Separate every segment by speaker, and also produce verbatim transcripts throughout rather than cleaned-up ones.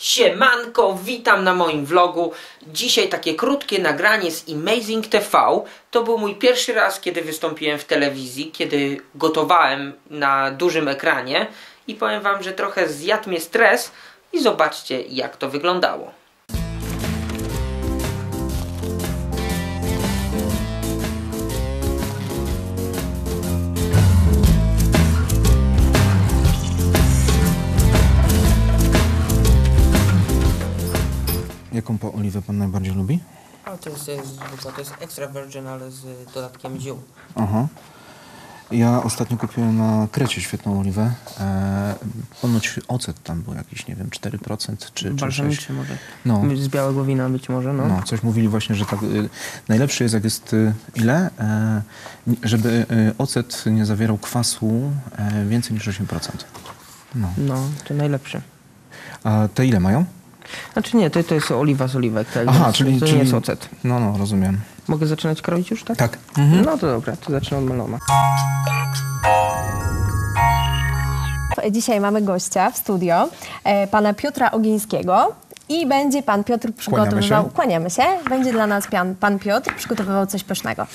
Speaker 1: Siemanko, witam na moim vlogu. Dzisiaj takie krótkie nagranie z Amazing T V. To był mój pierwszy raz, kiedy wystąpiłem w telewizji, kiedy gotowałem na dużym ekranie. I powiem wam, że trochę zjadł mnie stres i zobaczcie, jak to wyglądało.
Speaker 2: Jaką po oliwę pan najbardziej lubi?
Speaker 1: A to jest zwykła, to jest extra virgin, ale z dodatkiem ziół.
Speaker 2: Aha. Ja ostatnio kupiłem na Krecie świetną oliwę. E, ponoć ocet tam był jakiś, nie wiem, cztery procent czy, czy
Speaker 1: Balsamiczy może.
Speaker 2: No.
Speaker 1: Z białego wina być może, no.
Speaker 2: No, coś mówili właśnie, że tak, y, najlepszy jest jak jest y, ile? E, żeby y, ocet nie zawierał kwasu e, więcej niż osiem procent. No.
Speaker 1: No, to najlepsze.
Speaker 2: A te ile mają?
Speaker 1: Znaczy nie, to, to jest oliwa z oliwek, tak?
Speaker 2: Aha,
Speaker 1: więc
Speaker 2: czyli,
Speaker 1: to
Speaker 2: czyli
Speaker 1: nie jest ocet.
Speaker 2: No, no, rozumiem.
Speaker 1: Mogę zaczynać kroić już, tak?
Speaker 2: Tak. Mhm.
Speaker 1: No to dobra, to zacznę od melona.
Speaker 3: Dzisiaj mamy gościa w studio, e, pana Piotra Ogińskiego i będzie pan Piotr przygotowywał...
Speaker 2: Kłaniamy się.
Speaker 3: Kłaniamy się. Będzie dla nas pan, pan Piotr przygotowywał coś pysznego.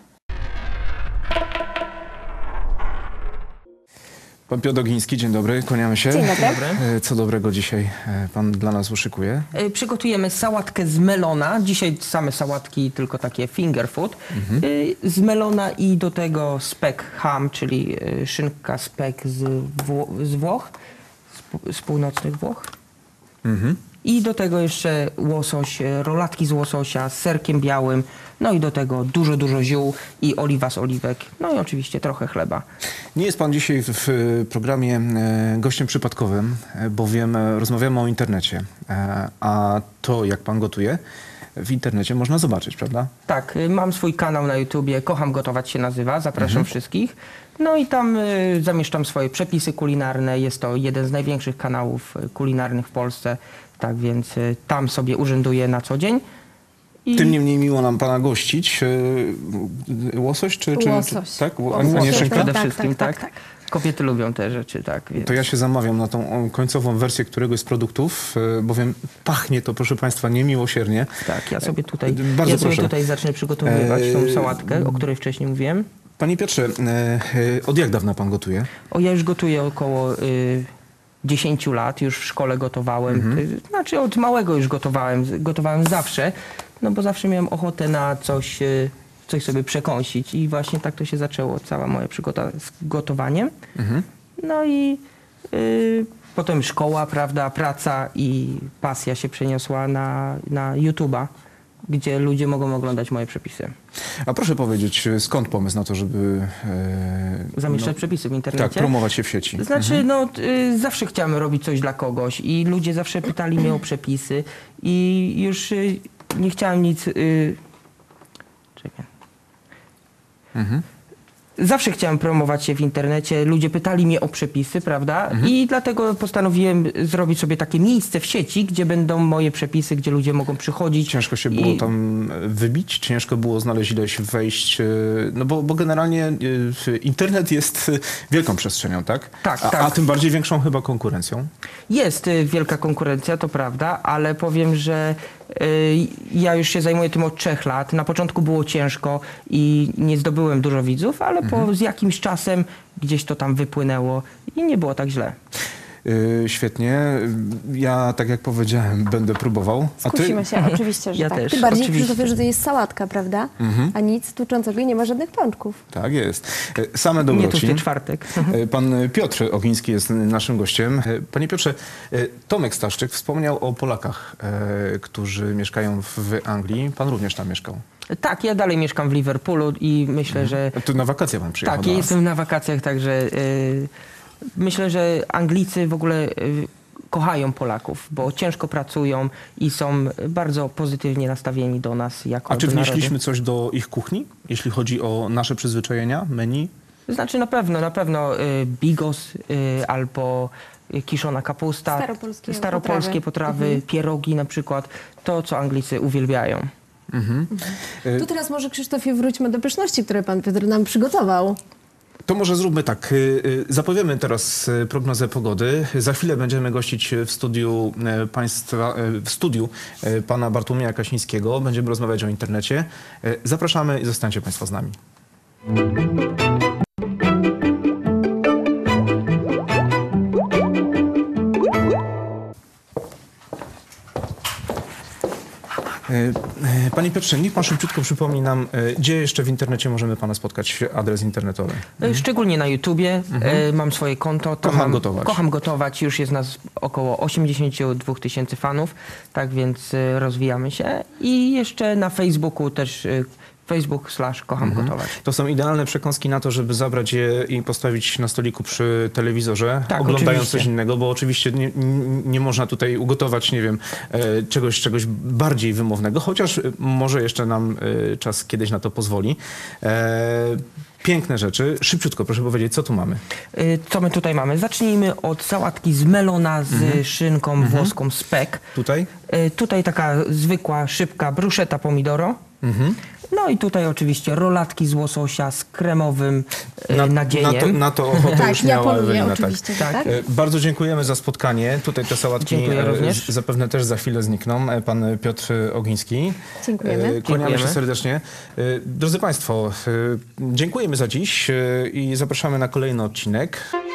Speaker 2: Pan Piotr Ogiński, dzień dobry, kłaniamy się.
Speaker 3: Dzień dobry.
Speaker 2: E, Co dobrego dzisiaj e, pan dla nas uszykuje?
Speaker 1: Y, Przygotujemy sałatkę z melona. Dzisiaj same sałatki, tylko takie finger food.
Speaker 2: Mhm.
Speaker 1: Y, Z melona i do tego spek ham, czyli y, szynka spek z, Wło z Włoch, z, pół- z północnych Włoch.
Speaker 2: Mhm.
Speaker 1: I do tego jeszcze łosoś, y, rolatki z łososia z serkiem białym. No i do tego dużo, dużo ziół i oliwa z oliwek. No i oczywiście trochę chleba.
Speaker 2: Nie jest pan dzisiaj w, w programie e, gościem przypadkowym, e, bowiem e, rozmawiamy o internecie. E, a to, jak pan gotuje, w internecie można zobaczyć, prawda?
Speaker 1: Tak, y, mam swój kanał na YouTubie, Kocham Gotować się nazywa, zapraszam wszystkich. No i tam y, zamieszczam swoje przepisy kulinarne, jest to jeden z największych kanałów y, kulinarnych w Polsce, tak więc y, tam sobie urzęduję na co dzień. I
Speaker 2: Tym niemniej miło nam pana gościć. E, łosoś czy... czy
Speaker 3: Łosoś.
Speaker 2: Czy, tak? A,
Speaker 3: Łosoś,
Speaker 2: a nie
Speaker 3: tak,
Speaker 2: szynka?
Speaker 1: przede
Speaker 3: tak,
Speaker 1: wszystkim,
Speaker 3: tak,
Speaker 1: tak,
Speaker 3: tak,
Speaker 1: Kobiety lubią te rzeczy, tak. Więc.
Speaker 2: To ja się zamawiam na tą o, końcową wersję któregoś z produktów, e, bowiem pachnie to, proszę państwa, niemiłosiernie.
Speaker 1: Tak, ja sobie tutaj,
Speaker 2: Bardzo
Speaker 1: ja sobie
Speaker 2: proszę.
Speaker 1: tutaj zacznę przygotowywać tą
Speaker 2: Eee,
Speaker 1: sałatkę, o której wcześniej mówiłem.
Speaker 2: Panie Piotrze, e, e, od jak dawna pan gotuje?
Speaker 1: O, ja już gotuję około y, dziesięć lat, już w szkole gotowałem. Y, znaczy od małego już gotowałem, z- gotowałem zawsze, no bo zawsze miałem ochotę na coś, y, coś sobie przekąsić i właśnie tak to się zaczęło, cała moja przygoda z gotowaniem.
Speaker 2: Mhm.
Speaker 1: No i y, potem szkoła, prawda, praca i pasja się przeniosła na, na YouTube'a, gdzie ludzie mogą oglądać moje przepisy.
Speaker 2: A proszę powiedzieć, skąd pomysł na to, żeby... E,
Speaker 1: Zamieszczać
Speaker 2: no,
Speaker 1: przepisy w internecie.
Speaker 2: tak, promować się w sieci?
Speaker 1: Znaczy, no, y, zawsze chciałem robić coś dla kogoś i ludzie zawsze pytali mnie o przepisy i już y, nie chciałem nic... Y, czekaj.
Speaker 2: Mhm.
Speaker 1: Zawsze chciałem promować się w internecie, ludzie pytali mnie o przepisy, prawda? I dlatego postanowiłem zrobić sobie takie miejsce w sieci, gdzie będą moje przepisy, gdzie ludzie mogą przychodzić.
Speaker 2: Ciężko się było
Speaker 1: i-
Speaker 2: tam wybić? Ciężko było znaleźć ileś wejść? e, No bo, bo generalnie e, internet jest e, wielką przestrzenią, tak?
Speaker 1: Tak,
Speaker 2: a,
Speaker 1: tak.
Speaker 2: A tym bardziej większą chyba konkurencją.
Speaker 1: Jest y, wielka konkurencja, to prawda, ale powiem, że y, ja już się zajmuję tym od trzech lat. Na początku było ciężko i nie zdobyłem dużo widzów, ale po z jakimś czasem gdzieś to tam wypłynęło i nie było tak źle.
Speaker 2: E, świetnie. Ja, tak jak powiedziałem, będę próbował. A ty?
Speaker 3: Skusimy się, oczywiście, że
Speaker 1: Ja
Speaker 3: tak.
Speaker 1: też,
Speaker 3: Ty bardziej
Speaker 1: oczywiście.
Speaker 3: przy to, że to jest sałatka, prawda? A nic tłuczącego i nie ma żadnych pączków.
Speaker 2: Tak jest. E, Same
Speaker 1: Nie
Speaker 2: dobroci.
Speaker 1: tłusty czwartek.
Speaker 2: E, Pan Piotr Ogiński jest naszym gościem. E, Panie Piotrze, e, Tomek Staszczyk wspomniał o Polakach, e, którzy mieszkają w Anglii. Pan również tam mieszkał.
Speaker 1: Tak, ja dalej mieszkam w Liverpoolu i myślę, że
Speaker 2: Tu na wakacje pan przyjechał
Speaker 1: tak,
Speaker 2: do
Speaker 1: ja
Speaker 2: nas.
Speaker 1: jestem na wakacjach, także y, myślę, że Anglicy w ogóle y, kochają Polaków, bo ciężko pracują i są bardzo pozytywnie nastawieni do nas jako
Speaker 2: A czy
Speaker 1: do narodu.
Speaker 2: wnieśliśmy coś do ich kuchni, jeśli chodzi o nasze przyzwyczajenia, menu?
Speaker 1: Znaczy na pewno, na pewno y, bigos y, albo y, kiszona kapusta,
Speaker 3: Staropolskie
Speaker 1: staropolskie
Speaker 3: potrawy.
Speaker 1: potrawy,
Speaker 3: Mhm.
Speaker 1: pierogi na przykład, to co Anglicy uwielbiają.
Speaker 2: Mhm.
Speaker 3: To teraz może, Krzysztofie, wróćmy do pyszności, które pan Piotr nam przygotował.
Speaker 2: To może zróbmy tak. Y, y, Zapowiemy teraz y, prognozę pogody. Za chwilę będziemy gościć w studiu y, państwa, y, w studiu y, pana Bartłomieja Kasińskiego. Będziemy rozmawiać o internecie. Y, Zapraszamy i zostańcie państwo z nami. Panie Piotrze, niech pan szybciutko przypomni nam, gdzie jeszcze w internecie możemy pana spotkać, adres internetowy.
Speaker 1: Mhm. Szczególnie na YouTubie. Mhm. Mam swoje konto. To
Speaker 2: Kocham
Speaker 1: mam,
Speaker 2: gotować.
Speaker 1: Kocham gotować. Już jest nas około osiemdziesiąt dwa tysięcy fanów, tak więc rozwijamy się. I jeszcze na Facebooku też Facebook slash kocham
Speaker 2: Mhm.
Speaker 1: gotować.
Speaker 2: To są idealne przekąski na to, żeby zabrać je i postawić na stoliku przy telewizorze,
Speaker 1: Tak,
Speaker 2: oglądając
Speaker 1: oczywiście.
Speaker 2: coś innego, bo oczywiście nie, nie można tutaj ugotować, nie wiem, e, czegoś, czegoś bardziej wymownego, chociaż może jeszcze nam e, czas kiedyś na to pozwoli. E, Piękne rzeczy. Szybciutko, proszę powiedzieć, co tu mamy?
Speaker 1: Y, Co my tutaj mamy? Zacznijmy od sałatki z melona z
Speaker 2: Mhm.
Speaker 1: szynką włoską spek.
Speaker 2: Tutaj?
Speaker 1: Y, Tutaj taka zwykła, szybka bruszeta pomidoro.
Speaker 2: Mhm.
Speaker 1: No i tutaj oczywiście rolatki z łososia z kremowym y, nadzieniem.
Speaker 2: Na to, na to ochotę
Speaker 3: Tak,
Speaker 2: już
Speaker 3: ja
Speaker 2: miała
Speaker 3: poluję
Speaker 2: Ewelina.
Speaker 3: oczywiście,
Speaker 1: tak.
Speaker 3: tak?
Speaker 2: E, Bardzo dziękujemy za spotkanie. Tutaj te sałatki
Speaker 1: Dziękuję
Speaker 2: e,
Speaker 1: również.
Speaker 2: z- zapewne też za chwilę znikną. E, Pan Piotr Ogiński.
Speaker 3: Dziękujemy.
Speaker 2: E, Kłaniamy
Speaker 1: Dziękujemy.
Speaker 2: się serdecznie. E, Drodzy Państwo, e, dziękujemy za dziś e, i zapraszamy na kolejny odcinek.